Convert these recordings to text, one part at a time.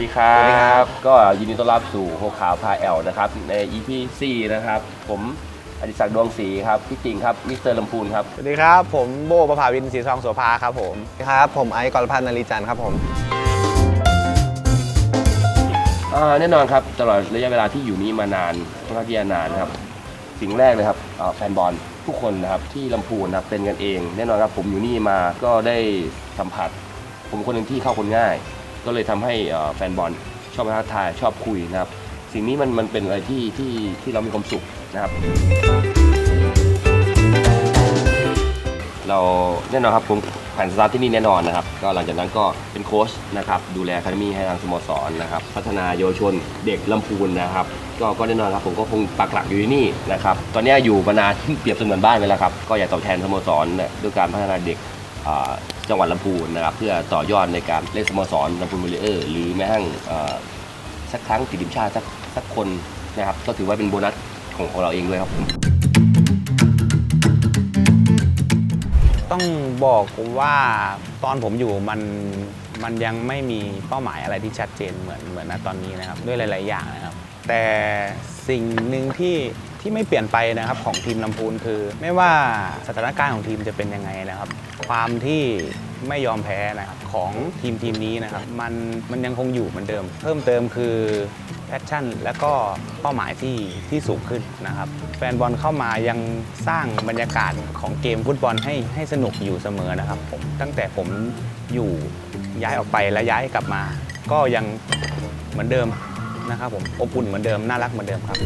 ดีครับก็ยินดีต้อนรับสู่โฮขาวพาแอลนะครับใน EP 4นะครับผมอดิศักดิ์ดวงศรีครับพี่ติ่งครับมิสเตอร์ลำพูนครับสวัสดีครับผมโบประภาวินศรีทองโสภาครับผมครับผมไอซ์กรพัฒน์นารีจันทร์ครับผมแน่นอนครับตลอดระยะเวลาที่อยู่นี้มานานค่อนข้างที่จะนานครับสิ่งแรกเลยครับแฟนบอลทุกคนนะครับที่ลำพูนนะครับเป็นกันเองแน่นอนครับผมอยู่นี่มาก็ได้สัมผัสผมคนหนึ่งที่เข้าคนง่ายก็เลยทำให้แฟนบอลชอบท้าทายชอบคุยนะครับสิ่งนี้มันเป็นอะไรที่เรามีความสุขนะครับเราแน่นอนครับผมแผนสตาร์ทที่นี่แน่นอนนะครับก็หลังจากนั้นก็เป็นโค้ชนะครับดูแลอะคาเดมี่ให้ทางสโมสรนะครับพัฒนาเยาวชนเด็กลำพูนนะครับก็แน่นอนครับผมก็คงปักหลักอยู่ที่นี่นะครับตอนนี้อยู่มานานเปรียบเสมือนบ้านไปแล้วครับก็อยากตอบแทนสโมสรด้วยการพัฒนาเด็กจังหวัดลำพูนนะครับเพื่อต่อยอดในการเล่นสโมสรลำพูนวอลเลเยอร์หรือแม้กระทั่งสักครั้งติดทีมชาติสักคนนะครับก็ถือว่าเป็นโบนัสของเราเองด้วยครับผมต้องบอกว่าตอนผมอยู่มันยังไม่มีเป้าหมายอะไรที่ชัดเจนเหมือนณตอนนี้นะครับด้วยหลายๆอย่างนะครับแต่สิ่งหนึ่งที่ไม่เปลี่ยนไปนะครับของทีมลำพูนคือไม่ว่าสถานการณ์ของทีมจะเป็นยังไงนะครับความที่ไม่ยอมแพ้นะครับของทีมนี้นะครับมันยังคงอยู่เหมือนเดิมเพิ่มเติมคือแพชชั่นและก็เป้าหมายที่สูงขึ้นนะครับแฟนบอลเข้ามายังสร้างบรรยากาศของเกมฟุตบอลให้สนุกอยู่เสมอนะครับผมตั้งแต่ผมอยู่ย้ายออกไปและย้ายกลับมาก็ยังเหมือนเดิมนะครับผมอบอุ่นเหมือนเดิมน่ารักเหมือนเดิมครับ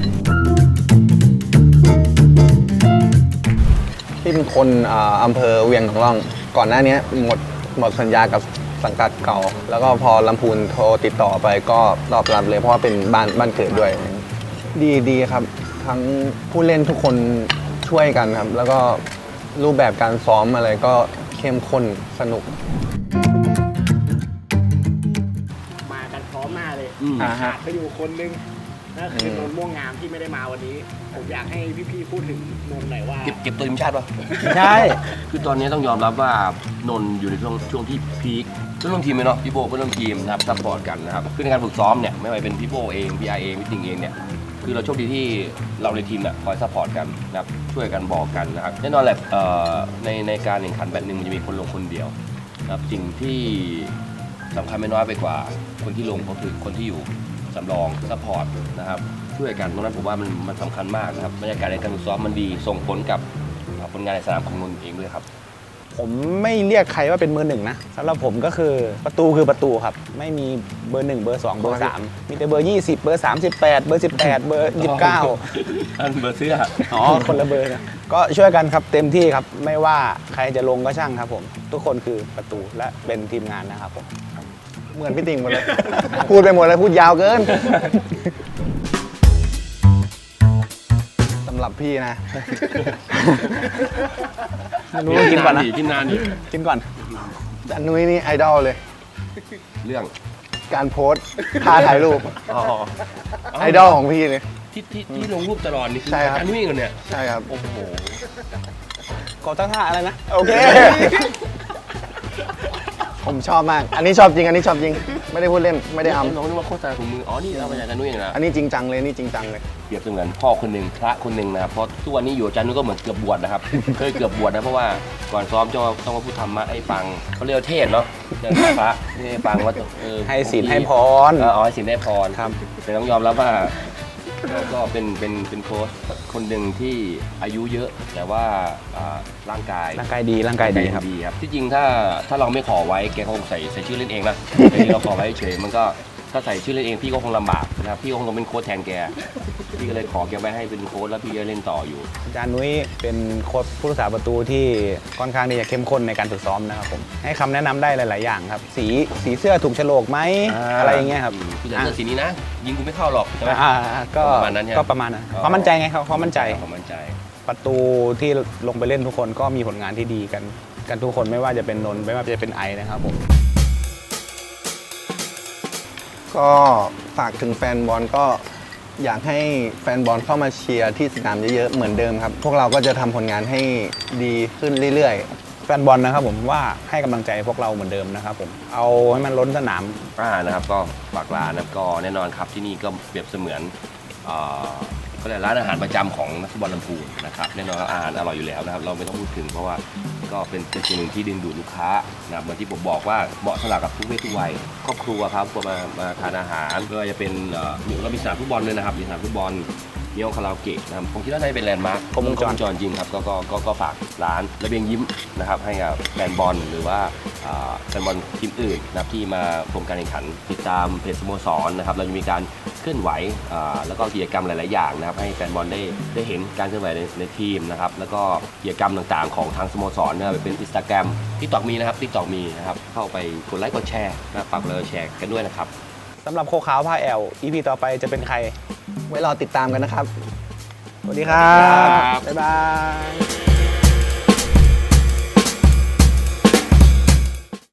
ที่เป็นคนอำเภอเวียงของร่องก่อนหน้านี้หมดสัญญากับสังกัดเก่าแล้วก็พอลำพูนโทรติดต่อไปก็ตอบรับเลยเพราะว่าเป็นบ้านเกิดด้วยดีครับทั้งผู้เล่นทุกคนช่วยกันครับแล้วก็รูปแบบการซ้อมอะไรก็เข้มข้นสนุกมากันพร้อมหน้าเลยขาดไปอยู่คนนึงนั่นคือนนท์ม่วงงามที่ไม่ได้มาวันนี้ผมอยากให้พี่ๆพูดถึงนนท์หน่อยว่าเก็บตัวทีมชาติป่ะใช่คือตอนนี้ต้องยอมรับว่านนท์อยู่ในช่วงที่พีคเพื่อนร่วมทีมเลยเนาะพี่โบเพื่อนร่วมทีมนะครับซัพพอร์ตกันนะครับคือในการฝึกซ้อมเนี่ยไม่ว่าเป็นพี่โบเองพี่ไอเองพี่ติงเองเนี่ยคือเราโชคดีที่เราในทีมเนี่ยคอยซัพพอร์ตกันนะครับช่วยกันบอกกันนะครับแน่นอนแหละในการแข่งขันแบบนึงมันจะมีคนลงคนเดียวนะครับสิ่งที่สำคัญไม่น้อยไปกว่าคนที่ลงก็คือคนที่อยู่สำรองซัพพอร์ตนะครับช่วยกันตรงนั้นผมว่ามันสำคัญมากนะครับบรรยากาศในการฝึกซ้อมมันดีส่งผลกับผลงานในสนามของนนท์เองด้วยครับผมไม่เรียกใครว่าเป็นเบอร์หนึ่งนะสำหรับผมก็คือประตูคือประตูครับไม่มีเบอร์1เบอร์2เบอร์3มีแต่เบอร์20เบอร์38เบอร์18เบอร์29 อันเบอร์เสื้อคนละเบอร์นะก็ช่วยกันครับเต็มที่ครับไม่ว่าใครจะลงก็ช่างครับผมทุกคนคือประตูและเป็นทีมงานนะครับผมเหมือนพี่ติ่งหมดเลย พูดไปหมดเลยพูดยาวเกินสำหรับพี่นะนุ้ยกินก่อนนะกินนานดิกินก่อนอันนุ้ยนี่ไอดอลเลยเรื่องการโพสท่าถ่ายรูปไอดอลของพี่เลยที่ลงรูปตลอดนี่คือการวิ่งกันเนี่ยใช่ครับโอ้โหกดตั้งท่าอะไรนะโอเคผมชอบมากอันนี้ชอบจริงไม่ได้พูดเล่นไม่ได้น้องนึกว่าโฆษณาถุงมืออ๋อนี่เอามาจากอาจารย์นุ้ยนะอันนี้จริงจังเลยนี่จริงจังเลยเปรียบเสมือนพ่อคนหนึ่งพระคนหนึ่งนะครับเพราะทุกวันนี้อยู่อาจารย์นุ้ยก็เหมือนเกือบบวชนะครับเคยเกือบบวชนะเพราะว่าก่อนซ้อมต้องมาพูดธรรมะให้ฟังเขาเรียกเทศเนาะเรื่องพระให้ฟังว่าให้ศีลให้พรให้ศีลให้พรครับแต่ต้องยอมรับว่าก็เป็นโค้ชคนหนึ่งที่อายุเยอะแต่ว่าร่างกายดีครับที่จริงถ้าเราไม่ขอไว้แกคงใส่ชื่อเล่นเองนะแต่ที่เราขอไว้เฉยมันก็ถ้าใส่ชื่อเล่นเองพี่ก็คงลำบากนะครับพี่ก็คงต้องเป็นโค้ชแทนแกพี่ก็เลยขอแกไว้ให้เป็นโค้ชแล้วพี่จะเล่นต่ออยู่อาจารย์นุ้ยเป็นโค้ชผู้รักษาประตูที่ค่อนข้างที่จะเข้มข้นในการฝึกซ้อมนะครับผมให้คำแนะนำได้หลายๆอย่างครับสีเสื้อถูกโฉลกไหมอะไรอย่างเงี้ยครับพี่เหลือเสื้อสีนี้นะยิงกูไม่เข้าหรอกใช่ไหมก็ประมาณนั้นความมั่นใจไงครับความมั่นใจประตูที่ลงไปเล่นทุกคนก็มีผลงานที่ดีกันทุกคนไม่ว่าจะเป็นนนท์ไม่ว่าจะเป็นไอนะครับผมก็ฝากถึงแฟนบอลก็อยากให้แฟนบอลเข้ามาเชียร์ที่สนามเยอะๆเหมือนเดิมครับพวกเราก็จะทำผลงานให้ดีขึ้นเรื่อยๆแฟนบอลนะครับผมว่าให้กำลังใจพวกเราเหมือนเดิมนะครับผมเอาให้มันล้นสนามนะครับก็ฝากร้านนะครับก็แน่นอนครับที่นี่ก็เปรียบเสมือนก็เลยกร้านอาหารประจำของนักฟุตบอลลำพูนนะครับแน่นอนอาหารอร่อยอยู่แล้วนะครับเราไม่ต้องพูดถึงเพราะว่าก็เป็นสิ่งหนึ่งที่ดึงดูดลูกค้านะครับเหมือนที่ผมบอกว่าเหมาะสำหรับกับทุกเพศทุกวัยครอบครัวครับมาทานอาหารไม่ว่าจะเป็นเรามีสนามฟุตบอลเลยนะครับมีสนามฟุตบอลมีห้องคาราโอเกะนะครับผมคิดว่าน่าจะเป็นแลนด์มาร์คครบวงจรจริงครับก็ฝากร้านระเบียงยิ้มนะครับให้กับแฟนบอลหรือว่าแฟนบอลทีมอื่นนะครับที่มาชมการแข่งขันติดตามเพจสโมสรนะครับเราจะมีการเคลื่อนไหวแล้วก็กิจกรรมหลายๆอย่างนะครับให้แฟนบอลได้เห็นการเคลื่อนไหวในทีมนะครับแล้วก็กิจกรรมต่างๆของทางสโมสรนะครับเป็น Instagram TikTok มีนะครับ TikTok มีนะครับเข้าไปกดไลค์กดแชร์นะฝากเลยแชร์กันด้วยนะครับสำหรับโคขาวพาแอล EP ต่อไปจะเป็นใครไว้รอติดตามกันนะครับสวัสดีครับครับบ๊ายบาย